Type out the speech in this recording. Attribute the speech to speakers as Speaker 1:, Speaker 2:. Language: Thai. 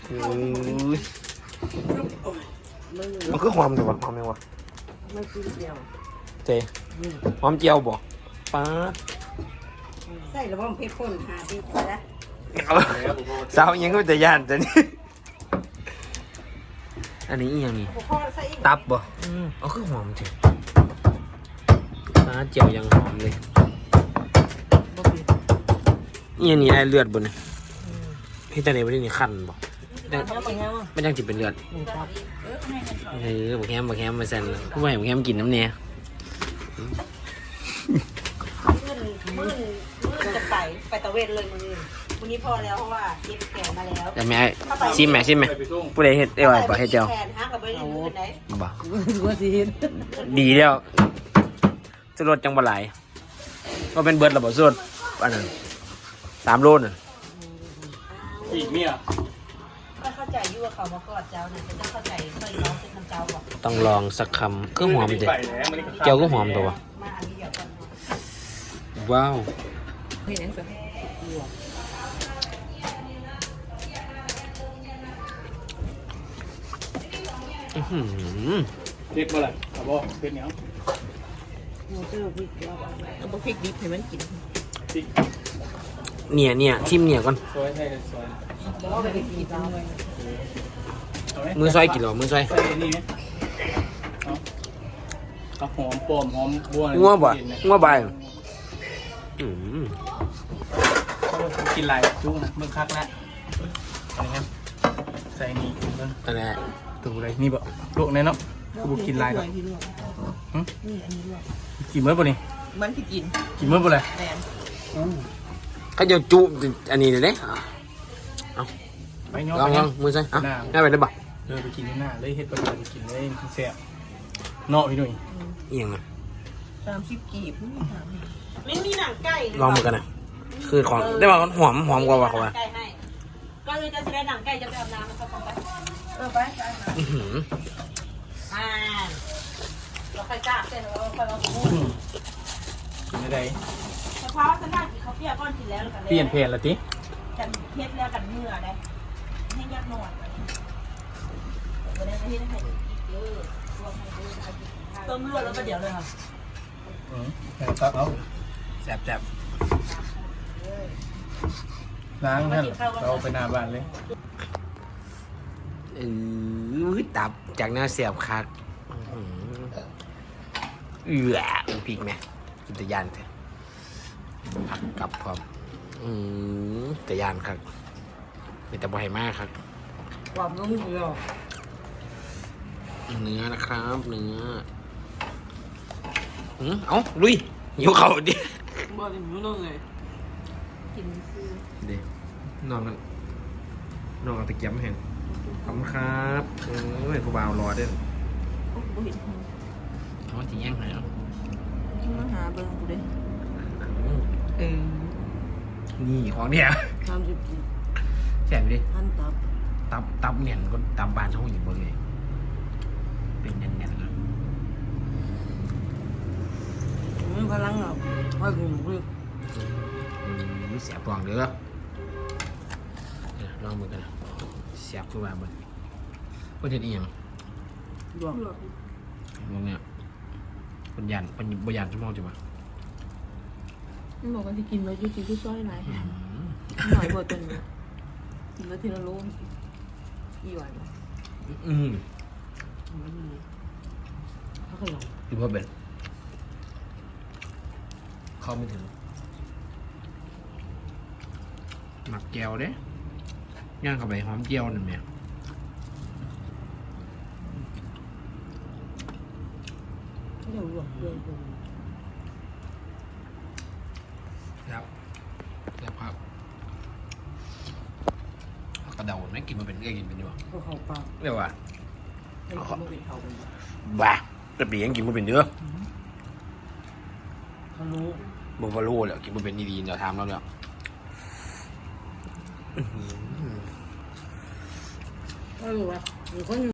Speaker 1: มันคือหอมแต่ว่าหอมยังวะ
Speaker 2: ไม่กินเดียว
Speaker 1: เจหอมเจียวบ่ป้า
Speaker 2: ใส่ระบบเพชรพ่นหาดีนะ
Speaker 1: สาวยังก็จะย่านแต่นี่อันนี้อีกอย่างนี้ตับบ่เอาคือหอมจริงป้าเจียวยังหอมเลยนี่นี่ไอเลือดบ่เนี่ยพี่ตาเนี่ยไม่ได้นี่ขั้นบ่ไม่ต้องจิบเป็นเลือดบอกแฮมมาแซนผู้ใหญ่บอกแฮมกินน้ำเนี่ย
Speaker 2: มือจะไปตะเวนเลยมือนี้พอแล้วเพราะว่าเก็บแขนมาแล้ว
Speaker 1: แต่แม่ชิมไหมผู้ใดเฮ็ดบ่เฮ็ดเจ้า
Speaker 2: แขนหากับไปดูไหน
Speaker 1: บ่
Speaker 2: ว่าสิเห็น
Speaker 1: ดีแล้วจะลดจังบ่หลายก็เป็นเบิร์ดระบบสุดอันนั้น3 โลน่ะ
Speaker 3: อีกเมีย
Speaker 2: ก็เข้าใจอยู่ว่าเขามากอดเจ้าเนี่ยจะเข้าใจเคยร้องเป็นคำเจ้าบอก
Speaker 1: ต้องลองสักคำก็หอมเด็ดเจียวก็หอมตัววะ
Speaker 2: มาอันนี้เดี๋ยวก่อน
Speaker 1: ว้าว
Speaker 2: เฮ้ยนั่นสิ
Speaker 3: เด็กบ่ล่ะครับบ่เป็นหยัง
Speaker 2: หมูเจอพริกเอาพริกดิบให้มันกิน
Speaker 3: ติ๊ก
Speaker 1: เนี่ยชิมเนี่ยก่อน
Speaker 3: ซอยให้ซอย
Speaker 2: บอกว่าไปกินจังเลย
Speaker 3: เอาไหม
Speaker 1: มือซอยกินหรอมือซอย
Speaker 3: ใส่นี่ไหมเอาหอมปอมหอมบัว
Speaker 1: งัวบ่งัวใบ
Speaker 3: กินลายจุ้งนะเบิ่งคักแล้วอะไรครับใส่นี่เบิ่ง
Speaker 1: นั่นแหละ
Speaker 3: ตัวอะไรนี่บ่ลวกแน่เนาะกูกินลายก่อน
Speaker 2: นี่อันนี้ด้วย
Speaker 3: กินเมื่อบ่นี่
Speaker 2: มันที่กิน
Speaker 3: กินเมื่อบ่เลย
Speaker 2: แมน
Speaker 1: เขาจะจุอันนี้เลย
Speaker 3: ไปย้อน
Speaker 1: ลอง
Speaker 3: ไป
Speaker 1: ลองมือซอยง่ายไปได้บ่
Speaker 3: ไปกินที่หน้าเลยเฮ็ดประโยชน์กินเลยแซ่บเนาะพี่หนุ่ย
Speaker 1: เอียงนะ
Speaker 2: 30 กีบไม่มีหนังไก่
Speaker 1: ลองมือกันนะคือของได้ว่าหอมกว่าว่าเขาว่า
Speaker 2: ไก่ให้ก็เลยจะได้หนังไก่จะไปอาบน้ำนะครับไปไปเราค่อยจ้าเสร็จแล้วค่อยมาพูด
Speaker 3: กินได้
Speaker 2: เฉพาะสถานที่เขาเปลี่ยนก้อนกินแล้วกันเลย
Speaker 3: เปลี่ยนเพลละติ
Speaker 2: กันเทียบแล้วกันเมื่อได้ให้ยักหน่อยวันนี้ที่ได้ให้อีกเยอะรวมให้ด้วยต้มรวดแล้วก็เดี๋ยวเลยค่ะ
Speaker 3: ตักเอา
Speaker 1: แซ่บ
Speaker 3: ล้างนั่นเราไปหน้าบ้านเลย
Speaker 1: ตับจากหน้าเสียบคักพริกไหมกินตะยานเถอะผักกับพร้อมตะยานครับเป็นตะบอยมากครับ
Speaker 2: ความนุ่มเดียว
Speaker 1: เนื้อนะครับเนื้อเอาลุยหิวเข่าดิ
Speaker 2: บ่ได้รู้นู่นเลยกินซื้อ
Speaker 1: เดี๋ยวนอนกันนอนเอาตะเกียบมาเห็นขอบคุณครับไม่กูบ่าวรอเด้อ
Speaker 2: โอ้โหเห็น
Speaker 1: เขาจะแย่งไหนอ่ะ
Speaker 2: มาหาเบิ่งกูเด้
Speaker 1: นี่ของเนี่ย
Speaker 2: 30 กีบ
Speaker 1: แซ่บดิ
Speaker 2: พัน
Speaker 1: ตับเนี่ยก็ตับบานเขาอยู่บนเลยเป็นแน่นๆเลย
Speaker 2: พลังอ่ะค่อยกินคือ
Speaker 1: เสียบปองเด้อลองมือกันนะเสียบขึ้นมาบนเพื่อนเห็นอีหยัง
Speaker 2: ดวง
Speaker 1: มองเนี่ยปัญญาชั่วโมงจังวะ
Speaker 4: มันบอกว่าที่กินแล้วยูซีที่ช่วยไหนหน่อยบ่จนกินแล้วทีละโลอีหวาน
Speaker 2: เขาก็ลอง
Speaker 1: ดูว่าเป็นเข้าไม่ถึงหมักแก้วเด้ย่างเข้าไปหอมเจียวนั่นแหละ
Speaker 2: เดี๋ยวหลวงเดือน
Speaker 1: ครับกระเดาไม่กินมาเป็นกินเป็นอยู่
Speaker 2: เขาเข้าปาก
Speaker 1: เรียกว่า
Speaker 2: ให้เขาไม่เป็นเขาเป็น
Speaker 1: บ้าแต่ปียังกินมาเป็นเนื้อ
Speaker 2: เขารู้
Speaker 1: บวาโลเลยกินมาเป็นดีๆเดี๋ยวทำแล้วเนี่ย
Speaker 2: ว่าหนูคน